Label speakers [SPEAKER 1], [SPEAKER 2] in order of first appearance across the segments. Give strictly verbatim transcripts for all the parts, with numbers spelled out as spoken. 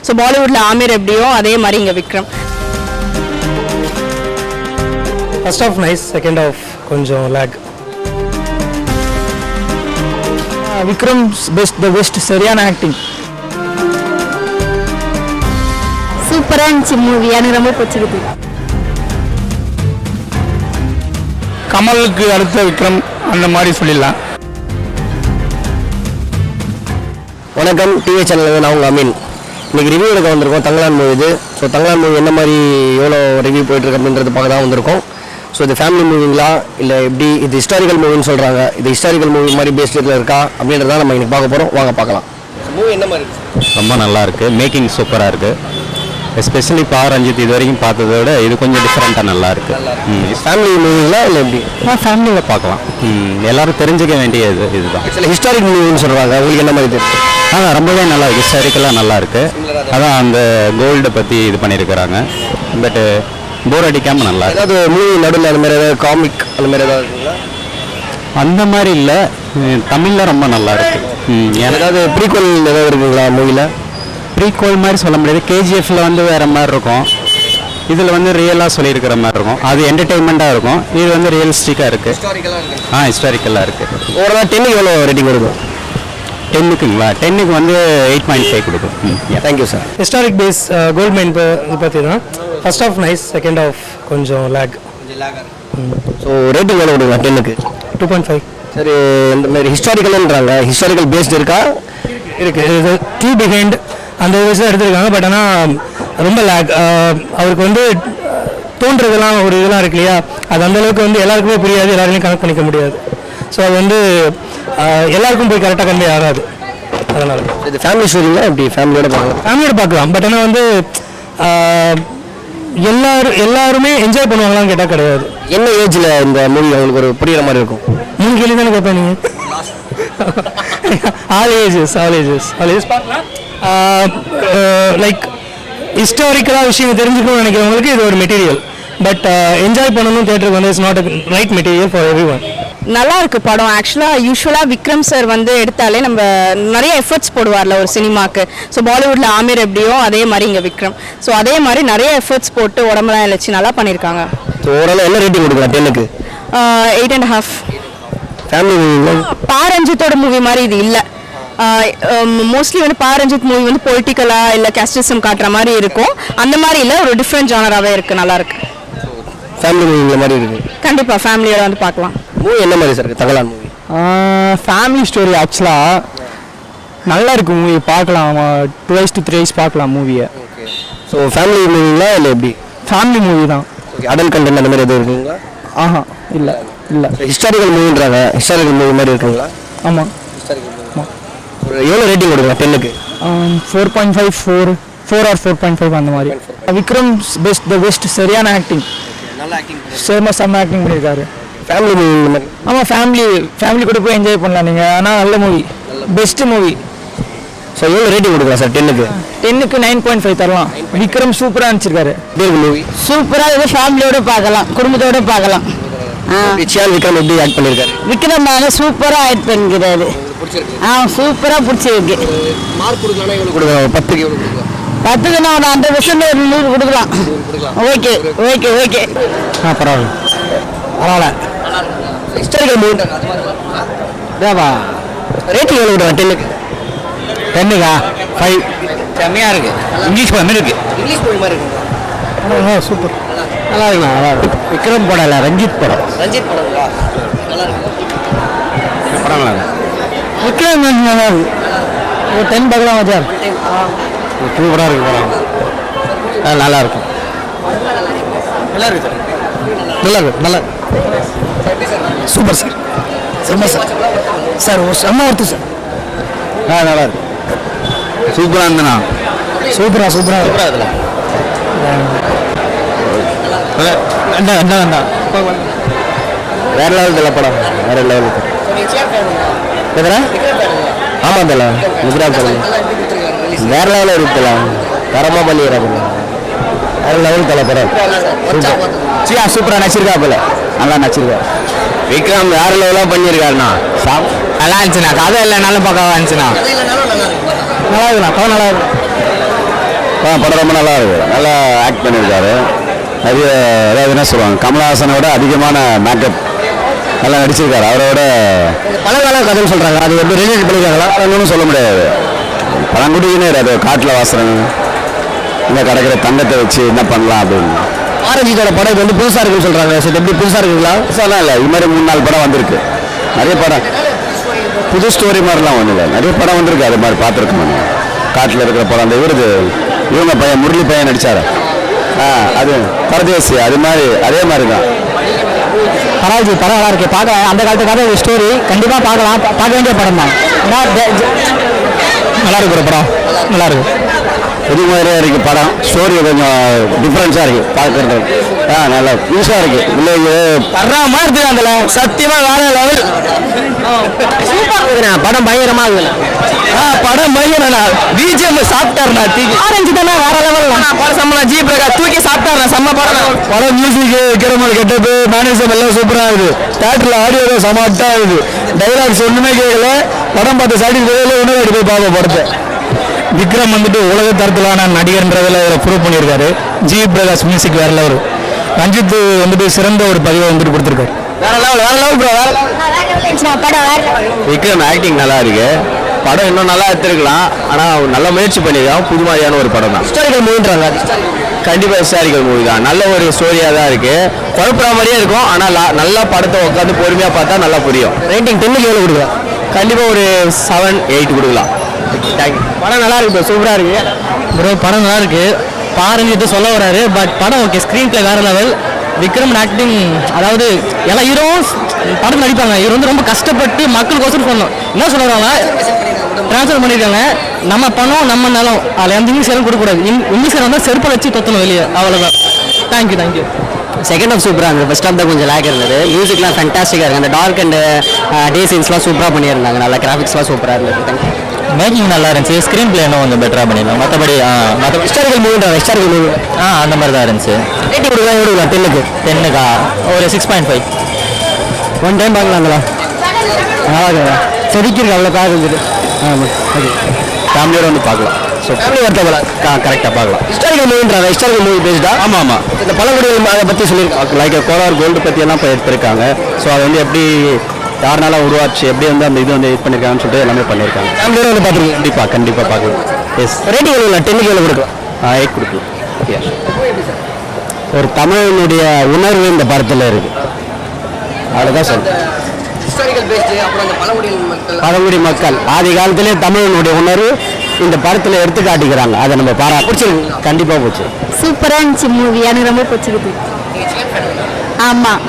[SPEAKER 1] So பாலிவுட்ல Aamir எப்படியோ அதே மாதிரி இங்கே Vikram.
[SPEAKER 2] First half nice, second half கொஞ்சம் lag.
[SPEAKER 3] Vikram best, the best, சரியான ஆக்டிங்.
[SPEAKER 1] சூப்பராக இருந்துச்சு மூவி, எனக்கு ரொம்ப பிடிச்சிருக்கு.
[SPEAKER 3] கமலுக்கு அடுத்த விக்ரம் அந்த மாதிரி சொல்லிடலாம்.
[SPEAKER 4] வணக்கம், டிவி சேனல். நான் உங்கள் அமீன். இன்றைக்கி ரிவ்யூ எடுக்க வந்திருக்கோம் தங்கலான் மூவி இது. ஸோ தங்கலான் மூவி என்ன மாதிரி எவ்வளோ ரிவ்யூ போயிட்டுருக்கு அப்படின்றது பார்க்க தான் வந்திருக்கோம். ஸோ இது ஃபேமிலி மூவிங்களா இல்லை எப்படி, இது ஹிஸ்டாரிக்கல் மூவின்னு சொல்கிறாங்க, இது ஹிஸ்டாரிக்கல் மூவி மாதிரி பேஸ்டில் இருக்கா அப்படின்றத நம்ம இன்றைக்கி பார்க்க போகிறோம். வாங்க பார்க்கலாம். மூவி என்ன மாதிரி இருக்குது?
[SPEAKER 5] ரொம்ப நல்லா இருக்குது, மேக்கிங் சூப்பராக இருக்குது. எஸ்பெஷலி பா ரஞ்சித் இது வரைக்கும் பார்த்ததை விட இது கொஞ்சம் டிஃப்ரெண்ட்டாக நல்லா இருக்குது.
[SPEAKER 4] ஃபேமிலி மூவிங்களா இல்லை எப்படி?
[SPEAKER 5] ஃபேமிலியில் பார்க்கலாம். எல்லோரும் தெரிஞ்சுக்க வேண்டியது இதுதான்.
[SPEAKER 4] சில ஹிஸ்டாரிக் மூவின்னு சொல்கிறாங்க, உங்களுக்கு என்ன மாதிரி தெரியும்?
[SPEAKER 5] ஆனால் ரொம்பவே நல்லா இருக்குது, ஹிஸ்டாரிக்கலாக நல்லா இருக்குது. அதான் அந்த கோல்டை பற்றி இது பண்ணியிருக்கிறாங்க. பட்டு போர் அடிக்காமல் நல்லா இருக்குது.
[SPEAKER 4] ஏதாவது மூவி நடுவில் அந்த மாதிரி ஏதாவது காமிக் அந்த மாதிரி ஏதாவது இருக்குங்களா?
[SPEAKER 5] அந்த மாதிரி இல்லை, தமிழில் ரொம்ப நல்லா இருக்குது.
[SPEAKER 4] ஏதாவது ப்ரீக்வல் ஏதாவது இருக்குங்களா மூவியில்?
[SPEAKER 5] ப்ரீக்வல் மாதிரி சொல்ல முடியாது. கேஜிஎஃப்ல வந்து வேறு மாதிரி இருக்கும், இதில் வந்து ரியலாக சொல்லியிருக்கிற மாதிரி இருக்கும். அது என்டர்டெயின்மெண்ட்டாக இருக்கும், இது வந்து ரியலிஸ்டிக்காக இருக்குது. ஆ ஹிஸ்டாரிக்கலாக இருக்குது.
[SPEAKER 4] ஓவரால் டென்னுக்கு எவ்வளோ ரேட்டிங் கொடுக்கும்?
[SPEAKER 5] டென்னுக்குங்களா? டென்னுக்கு வந்து எயிட் பாயிண்ட் ஃபைவ் கொடுக்கும்.
[SPEAKER 4] Thank you sir.
[SPEAKER 2] Historic base gold mine இது பற்றி தான். First half nice, second half கொஞ்சம் லேக்.
[SPEAKER 4] ஸோ ரேட்டிங் எவ்வளோ கொடுங்க டென்னுக்கு?
[SPEAKER 2] Two point five.
[SPEAKER 4] சரி, இந்த மாதிரி ஹிஸ்டாரிக்கல்ன்றாங்க, ஹிஸ்டாரிக்கல் பேஸ்டு இருக்கா?
[SPEAKER 2] இருக்குது. இது ட்ரூ பிஹைண்ட் அந்த விஷயம் எடுத்திருக்காங்க. பட் ஆனால் ரொம்ப லேக். அவருக்கு வந்து தோன்றதெல்லாம் ஒரு இதெல்லாம் இருக்கு இல்லையா, அது அந்தளவுக்கு வந்து எல்லாருக்குமே புரியாது, எல்லாருமே கனெக்ட் பண்ணிக்க முடியாது. ஸோ அது வந்து எல்லாருக்கும் போய் கரெக்டாக கன்வே ஆகாது. அதனால்
[SPEAKER 4] இது ஃபேமிலி ஸ்டோரிங்களா எப்படி? ஃபேமிலியோட பார்க்கலாம்,
[SPEAKER 2] ஃபேமிலியோட பார்க்கலாம். பட் ஆனால் வந்து எல்லாரும் எல்லாருமே என்ஜாய் பண்ணுவாங்களான்னு கேட்டால் கிடையாது.
[SPEAKER 4] என்ன ஏஜில் இந்த மூவி அவங்களுக்கு ஒரு புரியுற மாதிரி இருக்கும்?
[SPEAKER 2] மூணு கேள்வி தானே கேட்பேன் நீங்கள். All ages all ages all ages பார்க்கலாம். லைக் ஹிஸ்டாரிக்கலாக விஷயம் தெரிஞ்சுக்கணும்னு நினைக்கிறவங்களுக்கு இது ஒரு மெட்டீரியல். பட் என்ஜாய் பண்ணணும் தேட்டருக்கு வந்து it's not a right material for everyone.
[SPEAKER 1] நல்லா இருக்கு படம். ஆக்சுவலாக யூஸ்வலாக விக்ரம் சார் வந்து எடுத்தாலே நம்ம நிறைய எஃபர்ட்ஸ் போடுவார்ல ஒரு சினிமாக்கு. ஸோ பாலிவுட்ல ஆமீர் எப்படியோ அதே மாதிரி இங்கே விக்ரம். ஸோ அதே மாதிரி நிறைய எஃபர்ட்ஸ் போட்டு உடம்புலாம் இழைச்சி நல்லா பண்ணியிருக்காங்க.
[SPEAKER 4] ஸோ ஓவரால் என்ன ரேட்டிங் கொடுக்கலாம் டென்னுக்கு?
[SPEAKER 1] Eight and half.
[SPEAKER 4] Family movie
[SPEAKER 1] Pa ரஞ்சித்தோட மூவி மாதிரி இது இல்லை. மோஸ்ட்லி வந்து பா ரஞ்சித் மூவி வந்து பொலிட்டிக்கலாக இல்லை கேஸ்டிசம் காட்டுற மாதிரி இருக்கும். அந்த மாதிரி இல்லை, ஒரு டிஃப்ரெண்ட் ஜானராகவே இருக்குது, நல்லா இருக்கு.
[SPEAKER 4] ஃபேமிலி மூவி மாதிரி இருக்குது.
[SPEAKER 1] கண்டிப்பாக ஃபேமிலியோட வந்து பார்க்கலாம்.
[SPEAKER 4] மூவி என்ன மாதிரி சார் இருக்குது தங்கலான் மூவி?
[SPEAKER 3] ஃபேமிலி ஸ்டோரி ஆக்சுவலாக நல்லா இருக்குது மூவி, பார்க்கலாம். Twice to thrice பார்க்கலாம் மூவியை.
[SPEAKER 4] ஓகே. ஸோ ஃபேமிலி மூவிங்களா இல்லை எப்படி?
[SPEAKER 3] ஃபேமிலி மூவி தான்.
[SPEAKER 4] ஓகே. அடல்ட் கண்டென்ட் அந்த மாதிரி எதுவும் இருக்குங்களா?
[SPEAKER 3] ஆஹா இல்லை இல்லை.
[SPEAKER 4] ஹிஸ்டாரிக்கல் மூவின்றாங்க, ஹிஸ்டாரிக்கல் மூவி மாதிரி இருக்குங்களா?
[SPEAKER 3] ஆமாம்.
[SPEAKER 4] Historical movie. ஒரு எவ்வளோ ரேட்டிங் கொடுக்கலாம் டென்னுக்கு?
[SPEAKER 3] Four point five four four or four point five அந்த மாதிரி. விக்ரம் பெஸ்ட், த பெஸ்ட், சரியான ஆக்டிங்.
[SPEAKER 4] நல்லா ஆக்டிங்
[SPEAKER 3] சேமா செம்ம ஆக்டிங் பண்ணியிருக்காரு.
[SPEAKER 4] ஃபேமிலி மூவி இந்த மாதிரி.
[SPEAKER 3] ஆமாம், ஃபேமிலி ஃபேமிலி கூட போய் என்ஜாய் பண்ணலாம் நீங்கள். ஆனால் நல்ல மூவி, பெஸ்ட் மூவி.
[SPEAKER 4] ஸோ எவ்வளோ ரேட்டிங் கொடுக்கலாம் சார் டென்னுக்கு?
[SPEAKER 3] டென்னுக்கு நைன் பாயிண்ட் ஃபைவ் தரலாம். விக்ரம் சூப்பராக அனுப்பிச்சிருக்காரு.
[SPEAKER 4] மூவி
[SPEAKER 6] சூப்பராக இது ஃபேமிலியோட பார்க்கலாம், குடும்பத்தோட பார்க்கலாம்.
[SPEAKER 4] சியான் விக்ரம் எப்படி ஆக்ட் பண்ணியிருக்காரு?
[SPEAKER 6] விக்ரம் சூப்பராக ஆக்ட் பண்ணிக்கிறாரு. ஆ சூப்பராக பிடிச்சிருக்கு.
[SPEAKER 4] மார்க் கொடுக்கலாம் எவ்வளோ கொடுக்கலாம்? பத்துக்கு எவ்வளோ கொடுக்கலாம்?
[SPEAKER 6] பத்துக்கு நான் ஒரு ஹண்ட்ரட் பர்சன்ட் ஒரு நூறு கொடுக்கலாம். Okay okay okay.
[SPEAKER 3] ஆ பரவாயில்ல பரவாயில்ல.
[SPEAKER 4] ஹிஸ்டாரிக்கல் மூவி
[SPEAKER 3] தேவா.
[SPEAKER 4] ரேட்டிங் எவ்வளோ கொடுக்கலாம் டென்னுக்கு?
[SPEAKER 3] டென்னுக்கா ஃபைவ். செம்மையாக இருக்குது. இங்கிலீஷ் படம் இருக்குது.
[SPEAKER 4] இங்கிலீஷ் மூவி மாதிரி இருக்குங்களா?
[SPEAKER 3] சூப்பர், நல்லா இருக்குண்ணா, நல்லா இருக்கு. விக்ரம் படம் இல்லை, ரஞ்சித் படம்.
[SPEAKER 4] ரஞ்சித் படங்களா? நல்லா இருக்கு
[SPEAKER 3] படம். நல்லா இருக்கு. விக்ரம் நல்லா இருக்கு. ஒரு டென் பார்க்கலாம் மச்சான். சூப்பராக இருக்கு படம். நல்லா இருக்கும்.
[SPEAKER 4] நல்லா இருக்கு சார்.
[SPEAKER 3] நல்லா இருக்கு. நல்லா
[SPEAKER 4] சூப்பர் சார். செம்ம சார். சார் ஒரு செம்ம ஒருத்து சார்.
[SPEAKER 3] ஆ நல்லா இருக்கு. சூப்பராக இருந்தண்ணா. சூப்பரா சூப்பராக
[SPEAKER 4] சூப்பராக இதில்
[SPEAKER 3] வேண்டாம் வேண்டாம் வேண்டாம்.
[SPEAKER 4] வேற லெவல் தலை படம், வேற லெவல். எதுனா? ஆமாம் தலை, குஜராத் தலை வேற லெவலில் இருக்குல்ல, தரமாக பண்ணிடுறாங்க. வேற லெவல் தலை படம். சூப்பர். சியா சூப்பராக நடிச்சிருக்கா போல, நல்லா நடிச்சிருக்கா. விக்ரம் வேற லெவலாக பண்ணியிருக்காருண்ணா.
[SPEAKER 3] நல்லா இருந்துச்சுண்ணா, கதை இல்லைனாலும் பக்காவாக இருந்துச்சுண்ணா. நல்லா இருக்குண்ணா, கதை நல்லா இருக்கு.
[SPEAKER 5] படம் ரொம்ப நல்லா இருக்கு, நல்லா ஆக்ட் பண்ணியிருக்காரு. நிறைய அதாவது என்ன சொல்லுவாங்க, கமலஹாசனோட அதிகமான மேக்கப் நல்லா நடிச்சிருக்காரு. அவரோட
[SPEAKER 3] பழங்கால கதைன்னு சொல்கிறாங்க, அது எப்படி ரிலேட் பண்ணியிருக்காங்களா?
[SPEAKER 5] ஒன்றும் சொல்ல முடியாது. பழங்குடியினே அது காட்டில் வாசுறாங்க, இங்கே கிடக்கிற தங்கத்தை வச்சு என்ன பண்ணலாம் அப்படின்னு.
[SPEAKER 3] ஆரஞ்சித்தோட படம் இது வந்து புதுசாக இருக்குன்னு சொல்கிறாங்க. சரி, எப்படி புதுசாக இருக்குங்களா?
[SPEAKER 5] புதுசாலாம் இல்லை, இது மாதிரி மூணு நாலு படம் வந்திருக்கு. நிறைய படம் புது ஸ்டோரி மாதிரிலாம் ஒன்றும் இல்லை, நிறைய படம் வந்திருக்கு. அது மாதிரி பார்த்துருக்கோம். காட்டில் இருக்கிற படம் அந்த இவருது இவங்க பையன் முரளி பையன் நடித்தார். ஆ அது பரதேசி, அது மாதிரி அதே மாதிரி தான்.
[SPEAKER 3] பரவாயில்ல, படம் நல்லா இருக்கு. பார்க்க அந்த காலத்து கதை ஒரு ஸ்டோரி கண்டிப்பாக பார்க்கலாம், பார்க்க வேண்டிய படம் தான். நல்லா இருக்கு ஒரு படம், நல்லா இருக்கு.
[SPEAKER 5] புது மாதிரியாக இருக்குது படம். ஸ்டோரி கொஞ்சம் டிஃப்ரென்ஸாக இருக்குது பார்க்குறது. ஆ நல்லா புதுசாக இருக்குது. வில்லேஜ்
[SPEAKER 3] தர்றாம இருக்குது அதில், சத்தியமாக வேற லெவல். சூப்பராக இருக்குண்ணா படம், பயங்கரமாக இருக்குண்ணா. ஆ படம் பயங்கரண்ணா. பிஜிஎம் சாப்பிட்டாருண்ணா. தூக்கி ஆரஞ்சு தானே வேற லெவல். படம் சம்மனா ஜி பிரகாஷ் தூக்கி சாப்பிட்டாருண்ணா. செம்ம படம். படம் மியூசிக், கிரமல் கெட்டப்பு, மேனேஜம் எல்லாம் சூப்பராக இருக்குது. தேட்டரில் ஆடியோ தான் சமாட்டாக இருக்குது. டைலாக்ஸ் ஒன்றுமே கேட்கல. படம் பார்த்து சாட்டிஸ்ஃபைடில் ஒன்றும் போய் பார்ப்போம் படத்தை.
[SPEAKER 2] விக்ரம் வந்துட்டு உலக தரத்திலான நடிகர்ன்றதில் இதில் ப்ரூவ் பண்ணியிருக்காரு. ஜி பிரகாஷ் மியூசிக் வேற லெவல். ரஞ்சித் வந்துட்டு சிறந்த ஒரு பதிவை வந்துட்டு கொடுத்துருக்காரு.
[SPEAKER 3] வேற லெவல், வேற லெவல் ப்ரோ, வேற
[SPEAKER 5] விக்ரம் ஆக்டிங் நல்லா இருக்கு. படம் இன்னும் நல்லா எடுத்துருக்கலாம், ஆனால் நல்ல முயற்சி பண்ணியிருக்கான். புது மாதிரியான ஒரு படம் தான்.
[SPEAKER 3] ஹிஸ்டாரிக்கல் மூவின்றாங்க.
[SPEAKER 5] கண்டிப்பாக ஹிஸ்டாரிக்கல் மூவி தான். நல்ல ஒரு ஸ்டோரியாக தான் இருக்குது. குழப்பற மாதிரியே இருக்கும், ஆனால் நல்லா படத்தை உட்காந்து பொறுமையாக பார்த்தா நல்லா புரியும்.
[SPEAKER 3] ரேட்டிங் டென்னுக்கு எவ்வளோ கொடுக்கலாம்?
[SPEAKER 5] கண்டிப்பாக ஒரு செவன் எயிட் கொடுக்கலாம். தேங்க்யூ.
[SPEAKER 3] படம் நல்லா இருக்கு ப்ரோ, சூப்பராக இருக்கு ப்ரோ. படம் நல்லா இருக்கு. பாருங்க சொல்ல வராரு, பட் படம் ஓகே. ஸ்க்ரீன் பிளே வேற லெவல். விக்ரம் ஆக்டிங், அதாவது எல்லா ஹீரோவும் படம் நடிப்பாங்க. இவர் வந்து ரொம்ப கஷ்டப்பட்டு மக்களுக்கோசரம் சொல்லணும். என்ன சொல்லுறாங்க, ட்ரான்ஸ்ஃபர் பண்ணியிருக்காங்க. நம்ம பணம் நம்ம நிலம், அதில் எந்த இங்கிலீஷ் கொடுக்கக்கூடாது. இங்கிலீஷ் வந்தால் செருப்பை வச்சு தொத்தணும் வெளியே, அவ்வளோதான். Thank you thank you.
[SPEAKER 6] செகண்ட் ஹாஃப் சூப்பராக இருந்தது. ஃபர்ஸ்ட் ஹாஃப் தான் கொஞ்சம் லேக் இருந்தது. மியூசிக்லாம் ஃபேண்டாஸ்டிக்காக இருக்குது. அந்த டார்க் அண்ட் டே சீன்ஸ்லாம் சூப்பராக பண்ணியிருந்தாங்க. நல்லா கிராஃபிக்ஸ்லாம் சூப்பராக இருந்தது. தேங்க்யூ.
[SPEAKER 2] மேக்கிங் நல்லா இருந்துச்சு. ஸ்க்ரீன் பிளே இன்னும் கொஞ்சம் பெட்டராக பண்ணிடலாம். மற்றபடி மற்ற
[SPEAKER 3] ஹிஸ்டாரிக்கல் மூவின்ற ஹிஸ்டாரிக்கல் மூவி
[SPEAKER 2] ஆ அந்த மாதிரி தான் இருந்துச்சு.
[SPEAKER 3] ரேட்டிங் கொடுக்கலாம், எவ்வளோ கொடுக்கலாம்? டென்னுக்கு
[SPEAKER 2] டென்னுக்கா ஒரு six point five.
[SPEAKER 3] One time பார்க்கலாங்களா? நல்லா இருக்குங்களா? செதுக்கிருக்கு அவ்வளோ கார் இருந்துட்டு. ஆமாம், ஓகே.
[SPEAKER 5] ஃபேமிலியோட வந்து பார்க்கலாம். ஸோ
[SPEAKER 3] ஃபேமிலி வரத்தவங்களா
[SPEAKER 5] கரெக்டாக பார்க்கலாம்.
[SPEAKER 3] ஹிஸ்டாரிக்கல் மூவின்றாங்க. ஹிஸ்டாரிக்கல் மூவி பேஸ்டா?
[SPEAKER 5] ஆமாம் ஆமாம்.
[SPEAKER 3] இந்த பழங்குடிகள் அதை பற்றி சொல்லியிருக்காங்க.
[SPEAKER 5] லைக் கோலார் கோல்டு பற்றியெல்லாம் இப்போ எடுத்திருக்காங்க. ஸோ அது வந்து எப்படி யாருனால உருவாச்சு, எப்படி வந்து அந்த இது வந்து இது பண்ணியிருக்காங்கன்னு சொல்லிட்டு எல்லாமே பண்ணியிருக்காங்க.
[SPEAKER 3] ஃபேமிலியோட வந்து பார்த்துருக்கீங்க?
[SPEAKER 5] கண்டிப்பாக கண்டிப்பாக பார்க்கலாம். எஸ்.
[SPEAKER 3] ரேட்டிங் எவ்வளோ? டென்னுக்கு எவ்வளோ கொடுக்கலாம்?
[SPEAKER 5] எயிட் கொடுக்கலாம்.
[SPEAKER 3] ஒரு தமிழனுடைய உணர்வு இந்த படத்தில் இருக்கு. அவ்வளோதான் சொல்றேன். பழங்குடி மக்கள் ஆதி காலத்திலே தமிழனுடைய உணர்வு இந்த படத்தில் எடுத்து காட்டிக்கிறாங்க. அதை நம்ம பாரா பிடிச்சிருக்கு. கண்டிப்பாக பிடிச்சி.
[SPEAKER 1] சூப்பராக இருந்துச்சு மூவி, எனக்கு ரொம்ப பிடிச்சிருக்கு. ஆமாம்,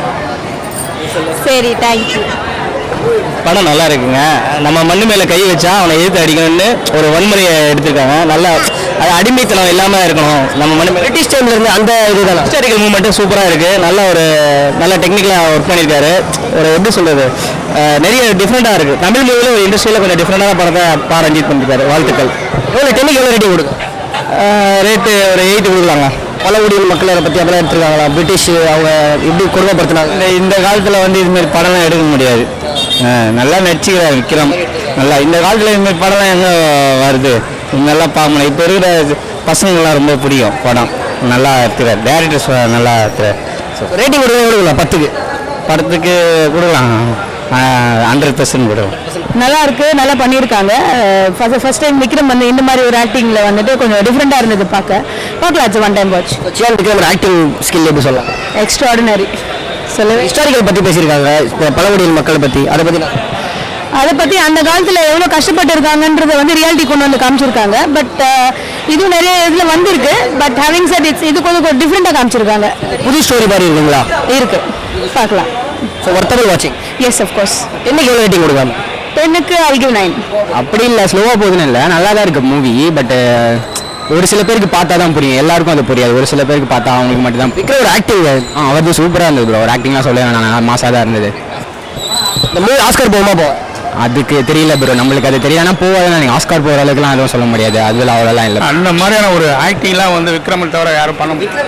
[SPEAKER 1] சரி, தேங்க்யூ.
[SPEAKER 2] படம் நல்லா இருக்குங்க. நம்ம மண்ணு மேலே கை வச்சா அவனை எதிர்த்து அடிக்கணும்னு ஒரு வன்முறையை எடுத்திருக்காங்க. நல்லா அது அடிமைத்தனம் இல்லாமல் இருக்கணும். நம்ம மண்ணு மேலே
[SPEAKER 3] பிரிட்டிஷ் டைம்ல இருந்து அந்த இதுதான்
[SPEAKER 2] ஹிஸ்டாரிக்கல் மூவ்மெண்ட்டும் சூப்பராக இருக்குது. நல்ல ஒரு நல்ல டெக்னிக்கலாக ஒர்க் பண்ணியிருக்காரு. ஒரு எப்படி சொல்கிறது, நிறைய டிஃப்ரெண்ட்டாக இருக்குது. தமிழ் மூவியில் ஒரு இண்டஸ்ட்ரியில் கொஞ்சம் டிஃப்ரெண்டான படத்தை பா ரஞ்சித் பண்ணியிருக்காரு. வாழ்த்துக்கள்.
[SPEAKER 3] எவ்வளோ டென்னுக்கு எவ்வளோ ரேட்டிங் கொடுக்கும்?
[SPEAKER 2] ரேட்டு ஒரு எயிட் கொடுக்கலாங்க.
[SPEAKER 3] பழங்குடியில் மக்களை பற்றி அதெல்லாம் எடுத்துருக்காங்களா? பிரிட்டிஷ் அவங்க எப்படி கொடுமைப்படுத்தினாங்க?
[SPEAKER 2] இந்த இந்த காலத்தில் வந்து இதுமாரி படம்லாம் எடுக்க முடியாது. நல்லா நடிச்சுக்கிறார் விக்ரம். நல்லா இந்த காலத்தில் இதுமாரி படம்லாம் எங்கே வருது? நல்லா பார்க்கணும். இப்போ இருக்கிற பசங்கள்லாம் ரொம்ப பிடிக்கும் படம். நல்லா எடுத்துக்கிறார். டேரக்டர்ஸ் நல்லா எடுத்துக்கிறார்.
[SPEAKER 3] ரேட்டிங் கொடுக்க கொடுக்கலாம்? பத்துக்கு
[SPEAKER 2] படத்துக்கு கொடுக்கலாம். ஹண்ட்ரட் பர்சன்ட் கொடுக்கலாம்.
[SPEAKER 1] நல்லா இருக்கு, நல்லா பண்ணியிருக்காங்க. ஃபர்ஸ்ட் டைம் விக்ரம் வந்து இந்த மாதிரி ஒரு ஆக்டிங்கில் வந்துட்டு கொஞ்சம் டிஃப்ரெண்ட்டாக இருந்தது பார்க்க. பார்க்கலாம், one time watch.
[SPEAKER 3] Chiyaan Vikram acting skill எப்படி சொல்லலாம்?
[SPEAKER 1] எக்ஸ்ட்ராடினரி. சொல்லவே
[SPEAKER 3] ஹிஸ்டாரிக்கல் பற்றி பேசியிருக்காங்க, பழங்குடியில் மக்களை பற்றி. அதை பற்றி
[SPEAKER 1] அதை பற்றி அந்த காலத்தில் எவ்வளோ கஷ்டப்பட்டு இருக்காங்கன்றதை வந்து ரியாலிட்டி கொண்டு வந்து காமிச்சிருக்காங்க. பட் இதுவும் நிறைய இதில் வந்திருக்கு. பட் ஹேவிங் செட் இட்ஸ் இது கொஞ்சம் டிஃப்ரெண்ட்டாக காமிச்சிருக்காங்க.
[SPEAKER 3] புது ஸ்டோரி மாதிரி இருக்குங்களா?
[SPEAKER 1] இருக்கு, பார்க்கலாம்.
[SPEAKER 3] ஸோ ஒர்த்தபிள் வாட்சிங்.
[SPEAKER 1] Yes, of course.
[SPEAKER 3] என்னைக்கு எவ்வளோ ரேட்டிங் கொடுக்காம?
[SPEAKER 1] டென்னுக்கு ஐ கிவ் நைன்.
[SPEAKER 3] அப்படி இல்லை, ஸ்லோவாக போகுதுன்னு இல்லை, நல்லா தான் இருக்குது மூவி. பட் ஒரு சில பேருக்கு பார்த்தா தான் புரியும், எல்லாருக்கும் அது புரியாது. ஒரு சில பேருக்கு பார்த்தா அவங்களுக்கு மட்டும் தான். விக்ரம் ஒரு ஆக்டிங் ஆ அவர் சூப்பராக இருந்தது ப்ரோ. ஒரு ஆக்டிங்லாம் சொல்ல வேணாம், மாசாக தான் இருந்தது. இந்த மூவி ஆஸ்கார் போகுமா? போ அதுக்கு தெரியல ப்ரோ, நம்மளுக்கு அது தெரியாதுன்னா போவாதுன்னா நீங்கள் ஆஸ்கார் போகிற அளவுக்குலாம் எதுவும் சொல்ல முடியாது. அதில் அவ்வளோலாம் இல்லை.
[SPEAKER 2] அந்த மாதிரியான ஒரு ஆக்டிங்லாம் வந்து விக்ரமில் தவிர யாரும் பண்ண முடியாது.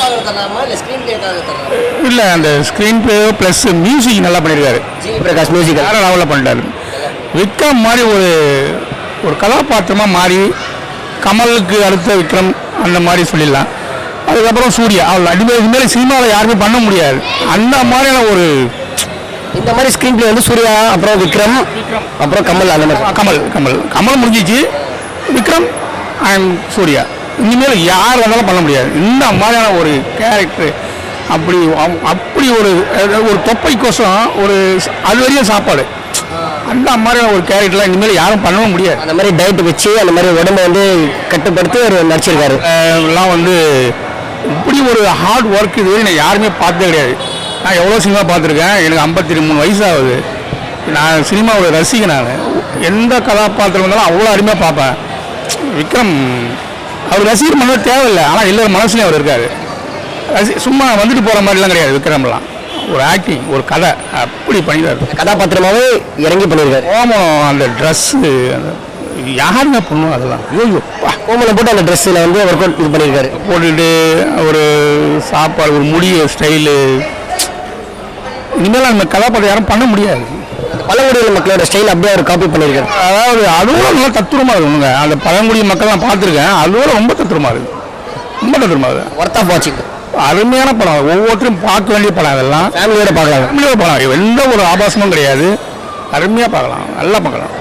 [SPEAKER 2] இல்லை, அந்த ஸ்க்ரீன் பிளே ப்ளஸ் மியூசிக் நல்லா பண்ணியிருக்காரு.
[SPEAKER 3] பிரகாஷ் மியூசிக்
[SPEAKER 2] வேறு லெவலில் பண்ணிட்டாரு. விக்ரம் மாதிரி ஒரு ஒரு கதாபாத்திரமாக மாறி கமலுக்கு அடுத்த விக்ரம் அந்த மாதிரி சொல்லிடலாம். அதுக்கப்புறம் சூர்யா அவ்வளோ அடிப்படை இதுமாரி சினிமாவில் யாருமே பண்ண முடியாது அந்த மாதிரியான ஒரு
[SPEAKER 3] இந்த மாதிரி ஸ்க்ரீன் பிளே வந்து சூர்யா அப்புறம் விக்ரம் அப்புறம் கமல் அந்த மாதிரி.
[SPEAKER 2] கமல் கமல் கமல் முடிஞ்சிச்சு, விக்ரம் அண்ட் சூர்யா இனிமேல் யார் வந்தாலும் பண்ண முடியாது இந்த மாதிரியான ஒரு கேரக்டர். அப்படி அவ- அப்படி ஒரு ஒரு தொப்பைக்கோசம் ஒரு அது வரையும் சாப்பாடு அந்த மாதிரியான ஒரு கேரக்டர்லாம் இனிமேல் யாரும் பண்ணவும் முடியாது.
[SPEAKER 3] அந்த மாதிரி டயட் வச்சு அந்த மாதிரி உடம்பை வந்து கட்டுப்படுத்தி அவர் நடிச்சிருக்காரு.
[SPEAKER 2] அஹ் எல்லாம் வந்து இப்படி ஒரு ஹார்ட் ஒர்க் இது வரையும் நான் யாருமே பார்த்ததே கிடையாது. நான் எவ்வளோ சினிமா பார்த்துருக்கேன், எனக்கு ஐம்பத்தி மூணு வயசு ஆகுது. நான் சினிமாவோட ரசிகன். நான் எந்த கதாபாத்திரம் வந்தாலும் அவ்வளோ அருமையாக பார்ப்பேன். விக்ரம் அவர் ரசிகர் பண்ண தேவையில்லை, ஆனால் எல்லாரும் மனசுலையும் அவர் இருக்கார். ரசி சும்மா வந்துட்டு போகிற மாதிரிலாம் கிடையாது விக்ரம்லாம். ஒரு ஆக்டிங், ஒரு கதை அப்படி பண்ணிடுறாரு.
[SPEAKER 3] கதாபாத்திரமாவே இறங்கி பண்ணியிருக்காரு.
[SPEAKER 2] ஓமம் அந்த ட்ரெஸ்ஸு யாருமே பண்ணுவோம் அதெல்லாம். ஐயோ
[SPEAKER 3] கோமலை போட்டு அந்த ட்ரெஸ்ஸில் வந்து ஒர்க் அவுட் இது பண்ணியிருக்காரு.
[SPEAKER 2] போட்டுட்டு ஒரு சாப்பாடு ஒரு முடிய ஸ்டைலு இனிமேல் அந்த கதாபாத்திரம் யாரும் பண்ண முடியாது.
[SPEAKER 3] பழங்குடியின மக்களோட ஸ்டைல் அப்படியே அவர் காப்பி பண்ணியிருக்காரு.
[SPEAKER 2] அதாவது அதுவும் நல்லா தத்துரமாக இருக்குங்க. அந்த பழங்குடி மக்கள் நான் பார்த்துருக்கேன், அதுவும் ரொம்ப தத்துரமாக இருக்குது, ரொம்ப தத்துரமாக இருக்குது.
[SPEAKER 3] ஒர்த் ஆஃப் வாட்சிங்.
[SPEAKER 2] அருமையான படம், ஒவ்வொருத்தரும் பார்க்க வேண்டிய படம். அதெல்லாம்
[SPEAKER 3] ஃபேமிலியோட பார்க்கலாம்.
[SPEAKER 2] ஃபேமிலியோட படம், எந்த ஒரு ஆபாசமும் கிடையாது, அருமையாக பார்க்கலாம், நல்லா பார்க்கலாம்.